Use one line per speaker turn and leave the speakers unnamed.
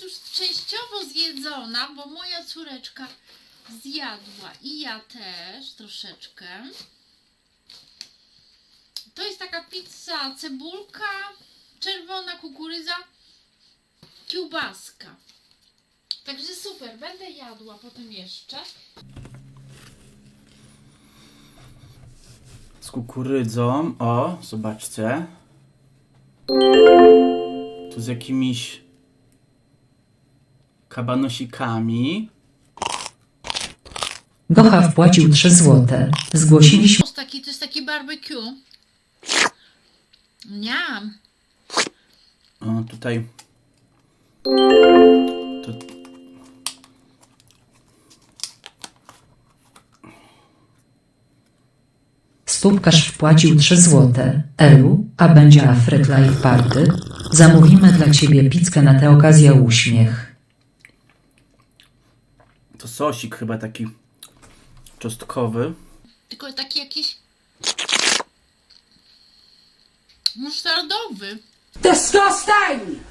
jest już częściowo zjedzona, bo moja córeczka zjadła i ja też troszeczkę. To jest taka pizza, cebulka, czerwona kukurydza, kiełbaska. Także super, będę jadła potem jeszcze.
Z kukurydzą, o, zobaczcie. Tu z jakimiś kabanosikami.
Gocha wpłacił 3 złote. Zgłosiliśmy
To jest taki barbecue. Niam.
O, tutaj. Tu,
Stópkarz wpłacił 3 złote. Elu, a będzie Afryk Live Party? Zamówimy dla ciebie pizzkę na tę okazję, uśmiech.
to sosik chyba taki czosnkowy.
Tylko taki jakiś musztardowy.
Disgusting!